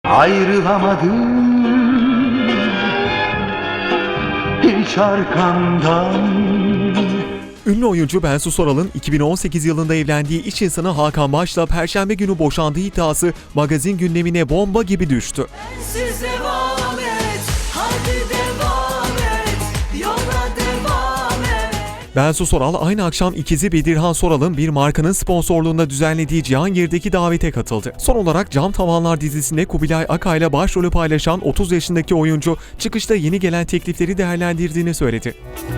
Ayrılamadım hiç arkandan. Ünlü oyuncu Bensu Soral'ın 2018 yılında evlendiği iş insanı Hakan Baş'la Perşembe günü boşandığı iddiası magazin gündemine bomba gibi düştü. Siz devam et, hadi devam et, yola devam et. Bensu Soral aynı akşam ikizi Bedirhan Soral'ın bir markanın sponsorluğunda düzenlediği Cihangir'deki davete katıldı. Son olarak Cam Tavanlar dizisinde Kubilay Akay'la başrolü paylaşan 30 yaşındaki oyuncu çıkışta yeni gelen teklifleri değerlendirdiğini söyledi.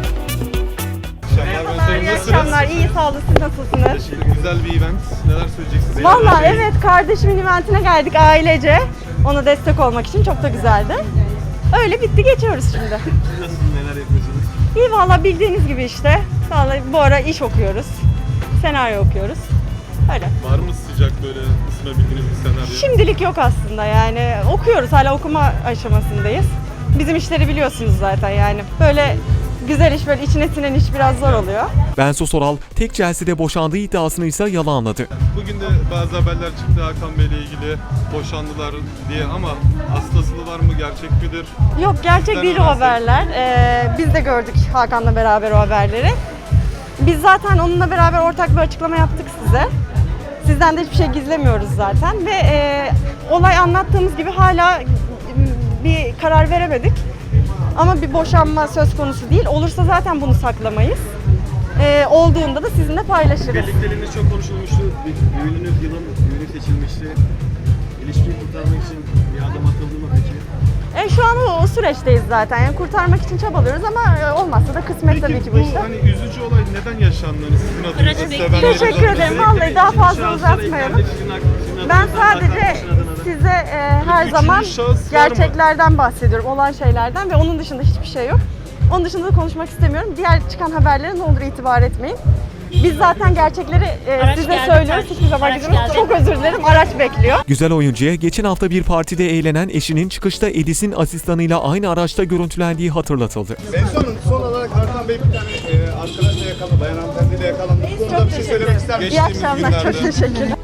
İyi akşamlar, iyi sağ olun. Siz nasılsınız? Güzel bir event. Neler söyleyeceksiniz? Valla evet, kardeşimin eventine geldik ailece. Ona destek olmak için çok da güzeldi. Öyle bitti, geçiyoruz şimdi. Nasıl, neler yapıyorsunuz? İyi valla, bildiğiniz gibi işte. Vallahi bu ara iş okuyoruz. Senaryo okuyoruz. Öyle. Var mı sıcak böyle ısınabildiğiniz bir senaryo? Şimdilik yok aslında, yani okuyoruz, hala okuma aşamasındayız. Bizim işleri biliyorsunuz zaten, yani böyle güzel iş, böyle içine sinen iş biraz zor oluyor. Bensu Soral tek celsede boşandığı iddiasını ise yalanladı. Bugün de bazı haberler çıktı Hakan Bey'le ilgili, boşandılar diye, ama aslı var mı, gerçek midir? Yok, gerçek Sizden değil o öğrensek. haberler. Biz de gördük Hakan'la beraber o haberleri. Biz zaten onunla beraber ortak bir açıklama yaptık size. Sizden de hiçbir şey gizlemiyoruz zaten ve olay anlattığımız gibi hala bir karar veremedik. Ama bir boşanma söz konusu değil. Olursa zaten bunu saklamayız. Olduğunda da sizinle paylaşırız. Birlikteliğiniz çok konuşulmuştu. Düğününüz düğünü seçilmişti. İlişkiyi kurtarmak için bir adım atıldı mı peki? Şu an o süreçteyiz zaten. Yani kurtarmak için çabalıyoruz ama olmazsa da kısmet tabii ki bu işte. Hani üzücü olay neden yaşandı? Hani sizin adınıza sevenleriniz Teşekkür adına. ederim. Vallahi daha fazla uzatmayalım. Ben sadece size her Üçüncü zaman şahıs var mı? gerçeklerden bahsediyorum, olan şeylerden ve onun dışında hiçbir şey yok. Onun dışında da konuşmak istemiyorum. Diğer çıkan haberlere ne olur itibar etmeyin. Biz zaten gerçekleri size söylüyoruz. Hiçbir zaman gizlemiyoruz. Çok özür dilerim. Araç bekliyor. Güzel oyuncuya geçen hafta bir partide eğlenen eşinin çıkışta Edis'in asistanıyla aynı araçta görüntülendiği hatırlatıldı. Bensu Hanım, son olarak Hakan Bey bir tane arkadaşla yakalandı, bayan hanımefendiyle yakalandı. Bu konuda Çok bir şey teşekkür söylemek ederim. ister İyi misiniz? akşamlar. Çok teşekkürler.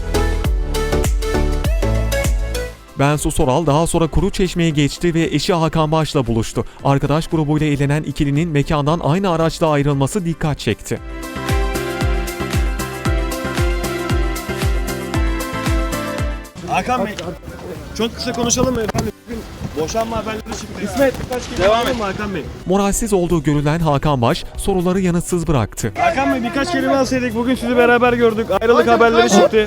Bensu Soral daha sonra Kuruçeşme'ye geçti ve eşi Hakan Baş'la buluştu. Arkadaş grubuyla eğlenen ikilinin mekandan aynı araçla ayrılması dikkat çekti. Hakan Bey, çok kısa konuşalım mı efendim? Bugün boşanma haberleri çıktı. İsmet, birkaç kelime alalım mı Hakan Bey? Moralsiz olduğu görülen Hakan Baş soruları yanıtsız bıraktı. Hakan Bey, birkaç kelime alsaydık. Bugün sizi beraber gördük. Ayrılık haberleri çıktı.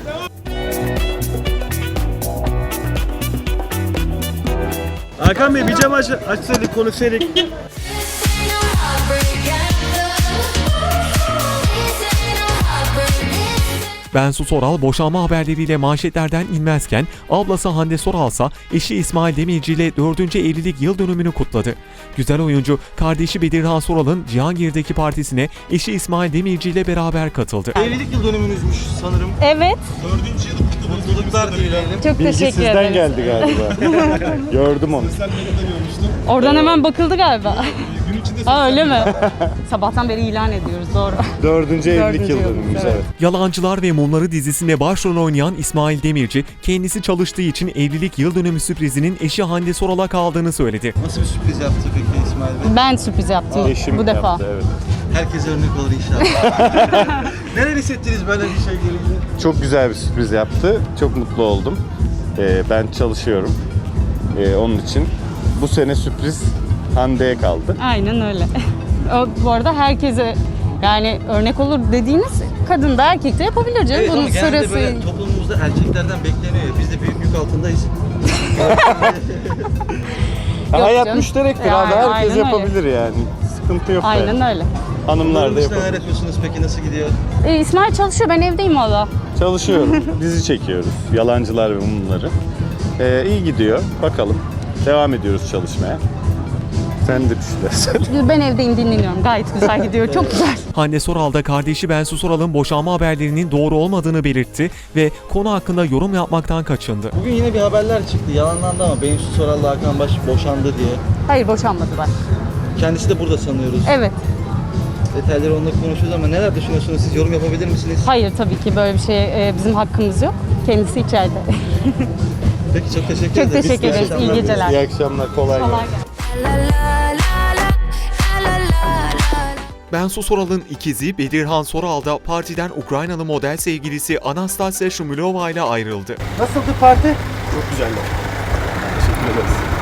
Hakan Bey, bir cam açsaydık, konuşsaydık. Bensu Soral boşanma haberleriyle manşetlerden inmezken ablası Hande Soral ise eşi İsmail Demirci ile 4. evlilik yıl dönümünü kutladı. Güzel oyuncu kardeşi Bedirhan Soral'ın Cihangir'deki partisine eşi İsmail Demirci ile beraber katıldı. Evlilik yıl dönümünüzmüş sanırım. Evet. 4. yılı kutlu Mutluluklar dileyelim. Çok teşekkür Sizden ederim. geldi galiba. Gördüm onu. Sosyal medyada görmüştüm. Oradan hemen bakıldı galiba. Gün içinde Ha öyle mi? Sabahtan beri ilan ediyoruz, doğru. 4. evlilik Dördüncü yıl yıl, dönümümüz, evet. evet. Yalancılar ve Mumları dizisinde başrol oynayan İsmail Demirci, kendisi çalıştığı için evlilik yıl dönümü sürprizinin eşi Hande Soral'a kaldığını söyledi. Nasıl bir sürpriz yaptı peki İsmail Bey? Ben sürpriz yaptım Eşim bu defa. yaptı, evet. Herkese örnek olur inşallah. Neler hissettiniz böyle bir şey gelince? Çok güzel bir sürpriz yaptı. Çok mutlu oldum. Ben çalışıyorum. Onun için bu sene sürpriz Hande'ye kaldı. Aynen öyle. Bu arada herkese yani örnek olur dediğiniz kadın da erkek de yapabilir canım. Evet, Bunun ama genelde sırası. böyle toplumumuzda erkeklerden bekleniyor ya. Biz de büyük yük altındayız. Hayat canım. müşterektir Yani, abi. Herkes aynen öyle. yapabilir yani. Sıkıntı yok. Aynen yani. öyle. Hanımlar da Bunun dışında neler yapabilir. yapıyorsunuz peki? Nasıl gidiyor? İsmail çalışıyor, ben evdeyim valla. Çalışıyorum. Dizi çekiyoruz. Yalancılar ve Mumları. İyi gidiyor. Bakalım. Devam ediyoruz çalışmaya. Sen de düşünürsen. Ben evdeyim, dinleniyorum. Gayet güzel gidiyor, çok güzel. Hande Soral da kardeşi Bensu Soral'ın boşanma haberlerinin doğru olmadığını belirtti ve konu hakkında yorum yapmaktan kaçındı. Bugün yine bir haberler çıktı. Yalanlandı ama Bensu Soral'la Hakan Baş boşandı diye. Hayır, boşanmadılar. Kendisi de burada sanıyoruz. Evet. Detayları onunla konuşuyoruz ama neler düşünüyorsunuz? Siz yorum yapabilir misiniz? Hayır, tabii ki böyle bir şey bizim hakkımız yok. Kendisi içeride. Peki çok teşekkür Çok ederiz. teşekkür ederiz. İyi geceler. İyi akşamlar. Kolay gelsin. Bensu Soral'ın ikizi Bedirhan Soral da partiden Ukraynalı model sevgilisi Anastasia Shumilova ile ayrıldı. Nasıldı parti? Çok güzeldi. Teşekkür ederiz.